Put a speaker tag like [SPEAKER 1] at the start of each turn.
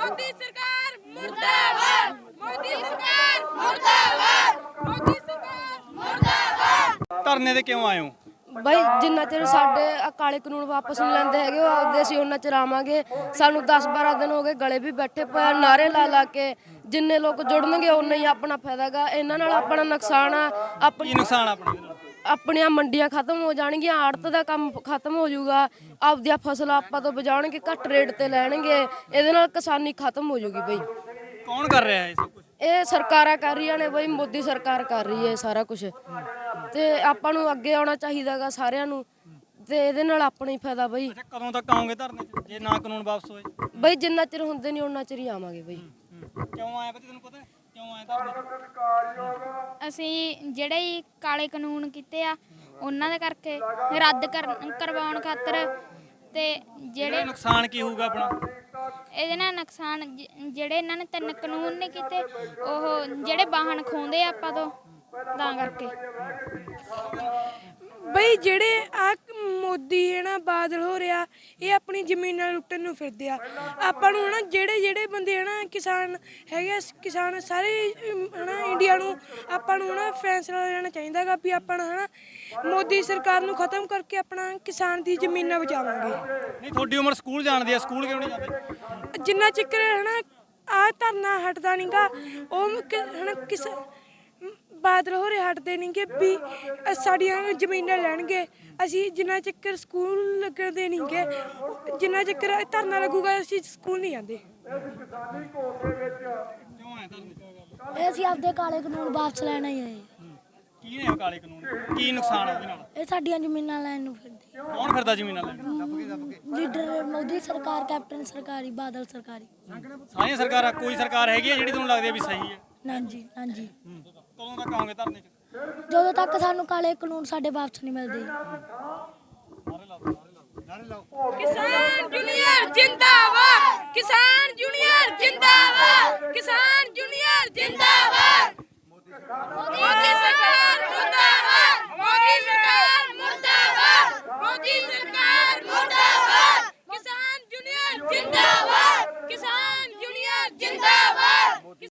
[SPEAKER 1] मोदी सरकार मुर्दाबाद, मोदी सरकार मुर्दाबाद, मोदी सरकार मुर्दाबाद।
[SPEAKER 2] ਧਰਨੇ ਤੇ ਕਿਉਂ ਆਏ ਹੋ?
[SPEAKER 3] ਬਈ ਜਿੰਨਾ ਚਿਰ ਸਾਡੇ ਕਾਲੇ ਕਾਨੂੰਨ ਵਾਪਸ ਨਹੀਂ ਲੈਂਦੇ ਹੈਗੇ ਉਹ ਆਪਦੇ ਅਸੀਂ ਉਹਨਾਂ ਚਿਰ ਆਵਾਂਗੇ। ਸਾਨੂੰ 10-12 ਦਿਨ ਹੋ ਗਏ ਗਲੇ ਵੀ ਬੈਠੇ ਪਏ ਨਾਰੇ ਲਾ ਕੇ। ਜਿੰਨੇ ਲੋਕ ਜੁੜਨਗੇ ਉਨਾ ਹੀ ਆਪਣਾ ਫਾਇਦਾ ਗਾ। ਇਹਨਾਂ ਨਾਲ ਆਪਣਾ ਨੁਕਸਾਨ ਆ।
[SPEAKER 2] ਕੀ ਨੁਕਸਾਨ ਆਪਣੇ ਦੇ ਨਾਲ?
[SPEAKER 3] ਆਪਣੀਆਂ ਮੰਡੀਆਂ ਖਤਮ ਹੋ ਜਾਣਗੀਆਂ, ਆੜਤ ਦਾ ਕੰਮ ਖਤਮ ਹੋ ਜਾਊਗਾ, ਆਪਦੀਆਂ ਫਸਲਾਂ ਆਪਾਂ ਤੋਂ ਬਚਾਉਣਗੇ, ਘੱਟ ਰੇਟ ਤੇ ਲੈਣਗੇ। ਇਹਦੇ ਨਾਲ ਕਿਸਾਨੀ ਖਤਮ ਹੋ ਜਾਊਗੀ ਬਈ।
[SPEAKER 2] ਕੌਣ ਕਰ ਰਿਹਾ ਹੈ ਇਹ ਸਭ ਕੁਝ?
[SPEAKER 3] ਇਹ ਸਰਕਾਰਾਂ ਕਰ ਰਹੀਆਂ ਨੇ ਬਈ, ਮੋਦੀ ਸਰਕਾਰ ਕਰ ਰਹੀ ਹੈ ਸਾਰਾ ਕੁਝ। ਤੇ ਆਪਾਂ ਨੂੰ ਅੱਗੇ ਆਉਣਾ ਚਾਹੀਦਾਗਾ ਸਾਰਿਆਂ ਨੂੰ, ਤੇ ਇਹਦੇ ਨਾਲ ਆਪਣਾ ਹੀ ਫਾਇਦਾ ਬਈ।
[SPEAKER 2] ਅੱਛਾ, ਕਦੋਂ ਤੱਕ ਆਓਗੇ ਧਰਨੇ 'ਚ ਜੇ ਨਾ ਕਾਨੂੰਨ ਵਾਪਸ ਹੋਏ?
[SPEAKER 3] ਬਈ ਜਿੰਨਾ ਚਿਰ ਹੁੰਦੇ ਨਹੀਂ ਉਹਨਾਂ ਚਿਰ ਹੀ ਆਵਾਂਗੇ ਬਈ।
[SPEAKER 2] ਕਿਉਂ ਆਏ ਪਤਾ ਤੈਨੂੰ? ਪਤਾ ਕਿਉਂ ਆਏ ਧਰਨੇ 'ਚ?
[SPEAKER 4] ਅਸੀਂ ਜਿਹੜੇ ਹੀ ਕਾਲੇ ਕਾਨੂੰਨ ਕੀਤੇ ਆ ਉਹਨਾਂ ਦੇ ਕਰਕੇ ਰੱਦ ਕਰਵਾਉਣ ਖਾਤਰ। ਤੇ ਜਿਹੜੇ
[SPEAKER 2] ਨੁਕਸਾਨ ਕੀ ਹੋਊਗਾ ਆਪਣਾ?
[SPEAKER 4] ਇਹਦੇ ਨਾਲ ਨੁਕਸਾਨ ਜਿਹੜੇ ਇਹਨਾਂ ਨੇ 3 ਕਾਨੂੰਨ ਨਹੀਂ ਕੀਤੇ, ਉਹ ਜਿਹੜੇ ਵਾਹਨ ਖੋਹਦੇ ਆ ਆਪਾਂ ਤੋਂ, ਤਾਂ ਕਰਕੇ।
[SPEAKER 1] ਬਈ ਜਿਹੜੇ ਆ ਮੋਦੀ ਹੈ ਨਾ, ਬਾਦਲ ਹੋ ਰਿਹਾ, ਇਹ ਆਪਣੀ ਜ਼ਮੀਨਾਂ ਲੁੱਟਣ ਨੂੰ ਫਿਰਦੇ ਆ। ਆਪਾਂ ਨੂੰ ਹਨਾ ਜਿਹੜੇ ਬੰਦੇ ਹਨਾ ਕਿਸਾਨ ਹੈਗੇ ਆ, ਕਿਸਾਨ ਸਾਰੇ ਹਨਾ ਇੰਡੀਆ ਨੂੰ ਆਪਾਂ ਨੂੰ ਹਨਾ ਫੈਸਲਾ ਲੈਣਾ ਚਾਹੀਦਾ ਗਾ ਵੀ ਆਪਾਂ ਹਨਾ ਮੋਦੀ ਸਰਕਾਰ ਨੂੰ ਖਤਮ ਕਰਕੇ ਆਪਣਾ ਕਿਸਾਨ ਦੀ ਜ਼ਮੀਨਾਂ ਬਚਾਵਾਂਗੇ।
[SPEAKER 2] ਨਹੀਂ, ਤੁਹਾਡੀ ਉਮਰ ਸਕੂਲ ਜਾਣ ਦੀ ਹੈ, ਸਕੂਲ ਕਿਉਂ ਨਹੀਂ ਜਾਂਦੇ?
[SPEAKER 1] ਜਿੰਨਾ ਚਿਰ ਹਨਾ ਆਹ ਧਰਨਾ ਹਟਦਾ ਨੀ ਗਾ ਉਹ ਹਨਾ ਬਾਦਲ ਹੋ ਰਹੇ ਹਟਦੇ ਨਹੀਂਗੇ ਵੀ ਸਾਡੀਆਂ ਜ਼ਮੀਨਾਂ ਲੈਣਗੇ। ਅਸੀਂ ਜਿੰਨਾ ਚਿਰ ਸਕੂਲ ਲੱਗਦੇ ਨਹੀਂਗੇ, ਜਿੰਨਾ ਚਿਰ ਧਰਨਾ ਲੱਗੂਗਾ ਅਸੀਂ ਸਕੂਲ ਨਹੀਂ ਜਾਂਦੇ।
[SPEAKER 2] ਕਿਉਂ ਆਏ ਧਰਨੇ 'ਚ?
[SPEAKER 5] ਇਹ ਅਸੀਂ ਆਪਦੇ ਕਾਲੇ ਕਾਨੂੰਨ ਵਾਪਸ ਲੈਣਾ ਹੀ ਆਏ।
[SPEAKER 2] ਕੀ ਨੇ ਉਹ ਕਾਲੇ ਕਾਨੂੰਨ? ਕੀ ਨੁਕਸਾਨ ਹੈ ਉਹਦੇ ਨਾਲ?
[SPEAKER 5] ਇਹ ਸਾਡੀਆਂ ਜ਼ਮੀਨਾਂ ਲੈਣ ਨੂੰ ਫਿਰਦੇ।
[SPEAKER 2] ਕੌਣ ਫਿਰਦਾ ਜ਼ਮੀਨਾਂ ਲੈਣ?
[SPEAKER 5] ਲੀਡਰ ਮੋਦੀ ਸਰਕਾਰ, ਕੈਪਟਨ ਸਰਕਾਰੀ, ਬਾਦਲ ਸਰਕਾਰੀ।
[SPEAKER 2] ਸਾਰੀਆਂ ਸਰਕਾਰਾਂ, ਕੋਈ ਸਰਕਾਰ ਹੈਗੀ ਹੈ ਜਿਹੜੀ ਤੁਹਾਨੂੰ ਲੱਗਦੀ ਹੈ ਵੀ ਸਹੀ ਹੈ?
[SPEAKER 5] ਹਾਂਜੀ ਹਾਂਜੀ।
[SPEAKER 2] ਕਦੋਂ ਤੱਕ ਆਓਗੇ ਧਰਨੇ 'ਚ?
[SPEAKER 5] ਜਦੋਂ ਤੱਕ ਸਾਨੂੰ ਕਾਲੇ ਕਾਨੂੰਨ ਸਾਡੇ ਵਾਪਸ ਨਹੀਂ ਮਿਲਦੇ।
[SPEAKER 1] ਕਿਸਾਨ ਜੂਨੀਅਰ ਜਿੰਦਾਬਾਦ, ਕਿਸਾਨ ਜੂਨੀਅਰ